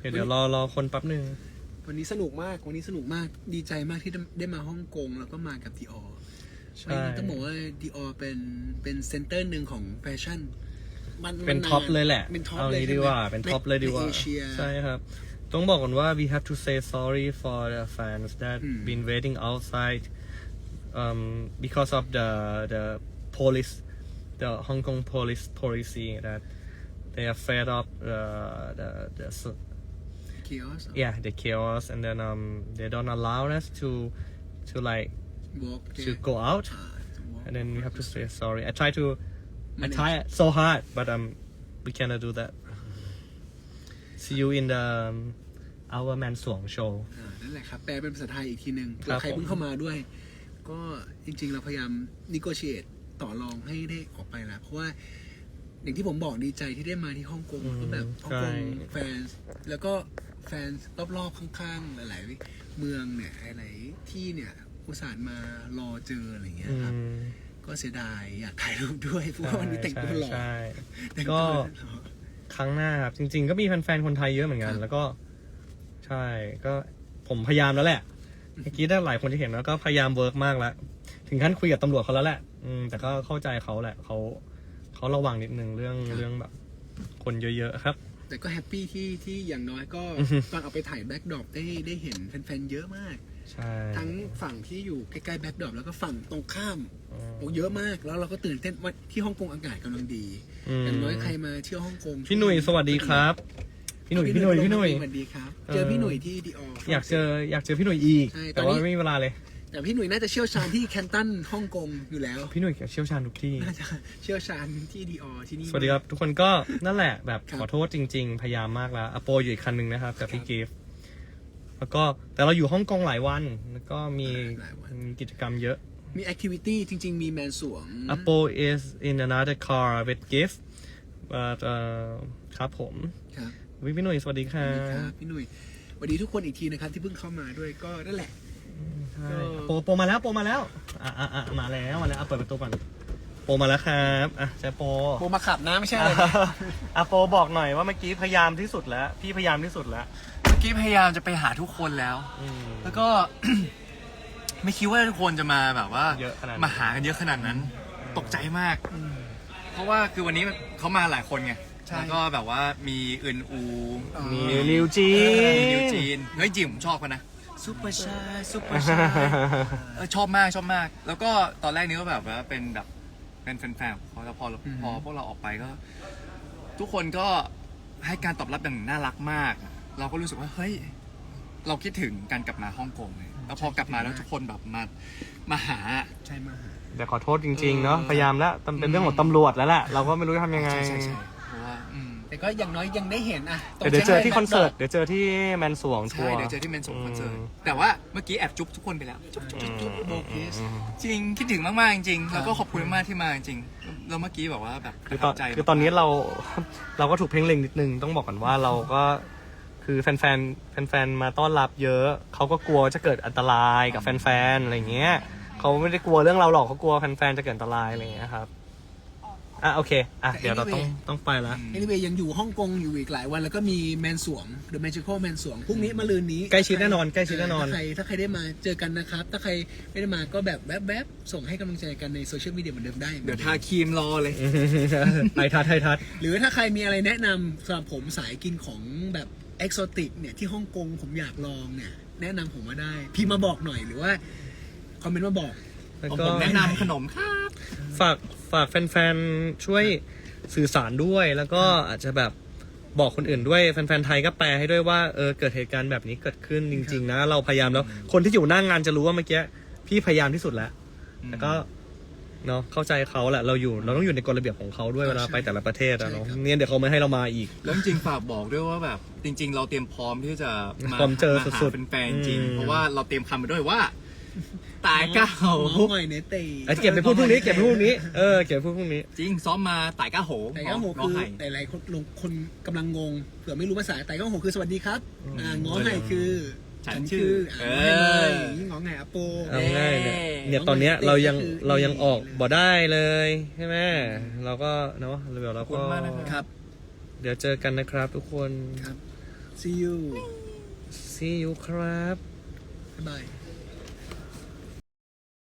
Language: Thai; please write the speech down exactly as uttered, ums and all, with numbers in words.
เดี๋ยวเดี๋ยวรอรอคนแป๊บนึงวันนี้สนุกมากวันนี้สนุกมากดีใจมากที่ได้มาฮ่องกงแล้วก็มากับดีออใช่ต้องบอกว่าดีออเป็นเป็นเซ็นเตอร์หนึ่งของแฟชั่นมันเป็นท็อปเลยแหละเป็นท็อปเอาเลยนี้ดีกว่าเป็นท็อปเลยดีกว่าใช่ครับต้องบอกก่อนว่า we have to say sorry for the fans that been waiting outside um because of the the police the Hong Kong police policy that they are fed up the the the chaos yeah the chaos and then um they don't allow us to to like walk to go out and then we have to say sorry I try to I try so hard but um we cannot do that see you in the um, our Man Suang show นั่นแหละครับแปลเป็นภาษาไทยอีกทีหนึ่งเผื่อใครเพิ่งเข้ามาด้วยก็จริงๆเราพยายาม negotiate ต่อรองให้ได้ออกไปแล้วเพราะว่าอย่างที่ผมบอกดีใจที่ได้มาที่ฮ่องกงก็แบบฮ่องกงแฟนแล้วก็แฟนรอบๆข้างๆหลายๆเมืองเนี่ยหลายๆที่เนี่ยอุตส่าห์มารอเจออะไรเงี้ยครับก็เสียดายอยากถ่ายรูปด้วยเพราะว่าวันนี้แต่งตัวหล่อก็ครั้งหน้าครับจริงๆก็มีแฟนๆคนไทยเยอะเหมือนกันแล้วก็ใช่ก็ผมพยายามแล้วแหละเมื่อกี้ได้หลายคนที่เห็นแล้วก็พยายามเวิร์กมากแล้วถึงขั้นคุยกับตำรวจเขาแล้วแหละอืมแต่ก็เข้าใจเขาแหละเขาเขาระวังนิดนึงเรื่องเรื่องแบบคนเยอะๆครับแต่ก็แฮปปี้ที่ที่อย่างน้อยก็ตอนเอาไปถ่ายแบ็กดรอปได้ได้เห็นแฟนๆเยอะมากใช่ทั้งฝั่งที่อยู่ใกล้ๆแบ็กดรอปแล้วก็ฝั่งตรงข้ามโอ้เยอะมากแล้วเราก็ตื่นเต้นว่าที่ฮ่องกงอากาศกำลังดีอย่างน้อยใครมาเที่ยวฮ่องกงพี่หนุ่ยสวัสดีครับพี่หนุ่ยพี่หนุ่ยพี่หนุ่ยสวัสดีครับเจอพี่หนุ่ยที่ดีอออยากเจออยากเจอพี่หนุ่ยอีกแต่ว่าไม่มีเวลาเลยแต่พี่หนุ่ยน่าจะเชี่ยวชาญที่แคนตันฮ่องกงอยู่แล้วพี่หนุ่ยเชี่ยวชาญทุกที่น่าจะเชี่ยวชาญที่ดีออที่นี่สวัสดีครับทุกคนก็นั่นแหละแบบขอโทษจริงๆพยายามมากแล้วอโปอยู่อีกคันนึงนะครับกับพี่กิฟต์แล้วก็แต่เราอยู่ฮ่องกงหลายวันแล้วก็มีมีกิจกรรมเยอะมีแอคทิวิตี้จริงๆมีแมนสวง Apple is in another car with gift but ครับผมครับพี่หนุ่ยสวัสดีครับพี่หนุ่ยสวัสดีทุกคนอีกทีนะครับที่เพิ่งเข้ามาด้วยก็นั่นแหละโปโปมาแล้วโปมาแล้วอ่ะอ่ะอ่ะมาแล้วมาแล้วเปิดประตูก่อนโปมาแล้วครับอ่ะใช่โปโปมาขับนะไม่ใช่อะไรอ่ะโปบอกหน่อยว่าเมื่อกี้พยายามที่สุดแล้วพี่พยายามที่สุดแล้วเมื่อกี้พยายามจะไปหาทุกคนแล้วแล้วก็ ไม่คิดว่าทุกคนจะมาแบบว่ามาหากันเยอะขนาดนั้นตกใจมากเพราะว่าคือวันนี้เขามาหลายคนไงแล้วก็แบบว่ามีอึนอูมีนิวจีนมีนิวจีนเฮ้ยจริงผมชอบกันนะซุปเปอร์ชายซุปเปอร์ชายชอบมากชอบมากแล้วก็ตอนแรกนี้ก็แบบว่าเป็นแบบเป็นแฟนๆเขาแต่พอพอพวกเราออกไปก็ทุกคนก็ให้การตอบรับอย่างน่ารักมากเราก็รู้สึกว่าเฮ้ยเราคิดถึงการกลับมาฮ่องกงเลยแล้วพอกลับมาแล้วทุกคนแบบมามาหาใช่มาหาแต่ขอโทษจริงๆเนาะพยายามแล้วเป็นเรื่องของตำรวจแล้วแหละเราก็ไม่รู้จะทำยังไงใช่ใช่เพราะว่าแต่ก็อย่างน้อยยังได้เห็นอ่ะเดี๋ยวเจอที่คอนเสิร์ตเดี๋ยวเจอที่แมนสวงทัวร์เดี๋ยวเจอที่แมนสวงคอนเสิร์ตแต่ว่าเมื่อกี้แอบจุ๊บทุกคนไปแล้วจุ๊บจุ๊บจุ๊บโบกิสจริงคิดถึงมากๆจริงแล้วก็ขอบคุณมากที่มาจริงแล้วเมื่อกี้แบบว่าแบบคือตอนคือตอนนี้เราเราก็ถูกเพ่งเล็งนิดนึงต้องบอกก่อนว่าเราก็คือแฟนแฟนแฟนๆมาต้อนรับเยอะเขาก็กลัวจะเกิดอันตรายกับแฟนๆอะไรเงี้ยเขาไม่ได้กลัวเรื่องเราหรอกเขากลัวแฟนๆจะเกิดอันตรายอะไรเงี้ยครับอ่ะโอเคอ่ะเดี๋ยวเราต้องต้องไปแล้วเอลิเวยังอยู่ฮ่องกงอยู่อีกหลายวันแล้วก็มีแมนสวง The Magical แมนสวงพรุ่งนี้มะรืนนี้ใกล้ชิดแน่นอนใกล้ชิดแน่นอนถ้าใครถ้าใครได้มาเจอกันนะครับถ้าใครไม่ได้มาก็แบบแวบๆส่งให้กำลังใจกันในโซเชียลมีเดียเหมือนเดิมได้เดี๋ยวทาครีมรอเลยไททัดไททัดหรือถ้าใครมีอะไรแนะนำสำหรับผมสายกินของแบบเอ็กโซติกเนี่ยที่ฮ่องกงผมอยากลองเนี่ยแนะนำผมมาได้พี่มาบอกหน่อยหรือว่าคอมเมนต์มาบอกผมแนะนำขนมครับฝากฝากแฟนๆช่วยสื่อสารด้วยแล้วก็อาจจะแบบบอกคนอื่นด้วยแฟนๆไทยก็แปลให้ด้วยว่าเออเกิดเหตุการณ์แบบนี้เกิดขึ้นจริงๆนะเราพยายามแล้วคนที่อยู่หน้างานจะรู้ว่าเมื่อกี้พี่พยายามที่สุดแล้วแต่ก็เนาะเข้าใจเขาแหละเราอยู่เราต้องอยู่ในกฎระเบียบของเขาด้วยเวลาไปแต่ละประเทศอะเนาะเนี่ยเดี๋ยวเขาไม่ให้เรามาอีกแล้วจริงฝากบอกด้วยว่าแบบจริงๆเราเตรียมพร้อมที่จะมาเจอสุดๆเป็นแฟนจริงเพราะว่าเราเตรียมคำไปด้วยว่าตายก้าโหหอยเนตีเก็บไปพูดพรุ่งนี้เก็บไปพูดพรุ่งนี้เออเก็บไปพูดพรุ่งนี้จริงซ้อมมาตายก้าโหตายก้าโหคือแต่หลายคนลงคนกำลังงงเผื่อไม่รู้ภาษาตายก้าโหคือสวัสดีครับอ่าง้อไห่คือฉันชื่อเออง้อไห่อโปเอาง่ายเนี่ยเนี่ยตอนเนี้ยเรายังเรายังออกบ่ได้เลยใช่ไหมเราก็เนาะเดี๋ยวเราก็ครับเดี๋ยวเจอกันนะครับทุกคนครับ see see you see you ครับบ๊ายบาย